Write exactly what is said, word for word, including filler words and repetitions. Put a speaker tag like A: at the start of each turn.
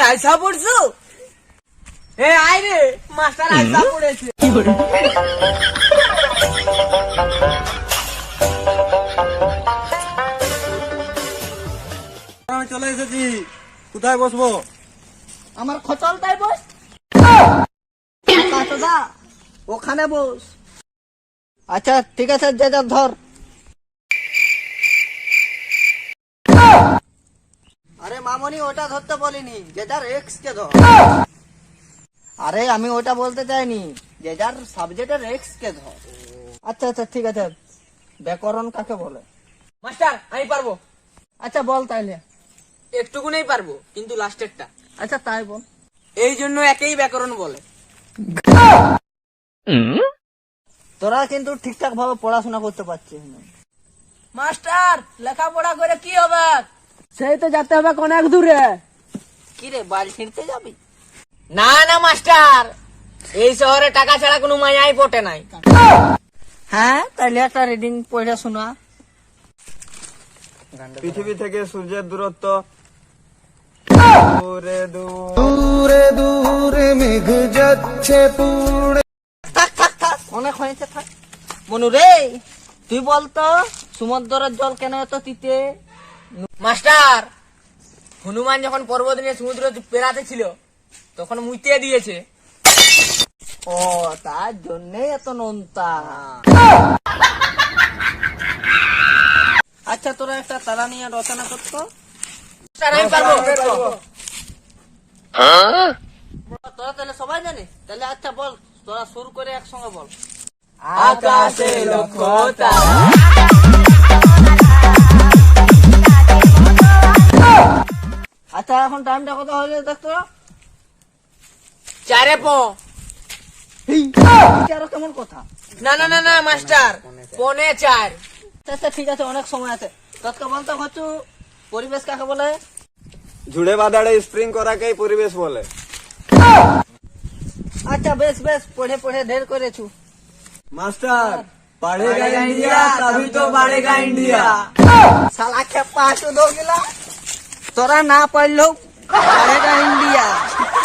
A: আইসা পড়ছো? এ আয় রে, মাস্টার আইসা পড়েছে। কি করে?
B: আমি চলে এসেছি, কোথায় বসবো?
A: আমার খচলটাই বস। দা ওখানে বস। আচ্ছা ঠিক আছে, যে যা ধর। আরে মামনি, ওটা ধরতে বলিনি, যে যার এক্স কে ধর। আরে আমি ওটা বলতে চাইনি, যে যার সাবজেক্টের এক্স কে ধর। আচ্ছা আচ্ছা ঠিক আছে, ব্যাকরণ কাকে বলে?
C: মাস্টার আমি পারবো।
A: আচ্ছা বল তাইলে।
C: একটুকুনেই পারবো, কিন্তু লাস্টেরটা।
A: আচ্ছা তাই বল।
C: এই জন্য একেই ব্যাকরণ বলে।
A: তোরা কিন্তু ঠিকঠাক ভাবে পড়াশোনা করতে পারছিস না।
C: মাস্টার লেখাপড়া করে কি হবে?
A: সেই তো যেতে হবে অনেক দূরে। কি রে, বাড়ি ছিঁড়তে যাবি?
C: না না মাস্টার, এই শহরে টাকা ছাড়া কোনো মায়াই পটে নাই।
A: হ্যাঁ তাইলে একটা রিডিং পড়ে শোনা।
B: পৃথিবী থেকে সূর্যের দূরত্ব দূরে
D: দূরে দূরে মেঘ যাচ্ছে পুড়ে।
A: থাক থাক থাক, অনেক হয়েছে, থাক। মনু রে, তুই বলতো সমুদ্রের জল কেন এত তিতে?
C: মাস্টার, হনুমান যখন পর্বত নিয়ে সমুদ্র পেরাতে ছিল, তখন মুইতে দিয়েছে।
A: ও, তার জন্যই এত নোনতা। আচ্ছা তোরা একটা তারা নিয়ে রচনা করতো।
C: মাস্টার আমি পারবো।
A: তোরা তাহলে সবাই জানিস, তাহলে আচ্ছা বল, তোরা শুরু করে একসঙ্গে বল।
C: আকাশে লক্ষ তারা।
A: আচ্ছা এখন টাইমটা কত হলে দেখতো?
C: চারে প।
A: আরো কেমন কথা?
C: না না না না মাস্টার, পনে চার।
A: আচ্ছা ঠিক আছে, অনেক সময় আছে। তৎকা বলতো হচ্ছে পরিবেশ কাকে বলে?
B: ঝুড়ে বাদাড়ে স্প্রিং করাকেই পরিবেশ বলে।
A: আচ্ছা বেশ বেশ, পড়ে পড়ে ঢের করেছু।
B: মাস্টার, पढ़ेगा इंडिया तभी तो बढ़ेगा इंडिया।
A: শালা খেপা শুধু গেলা, তোরা না পড়লেও পড়েগা ইন্ডিয়া।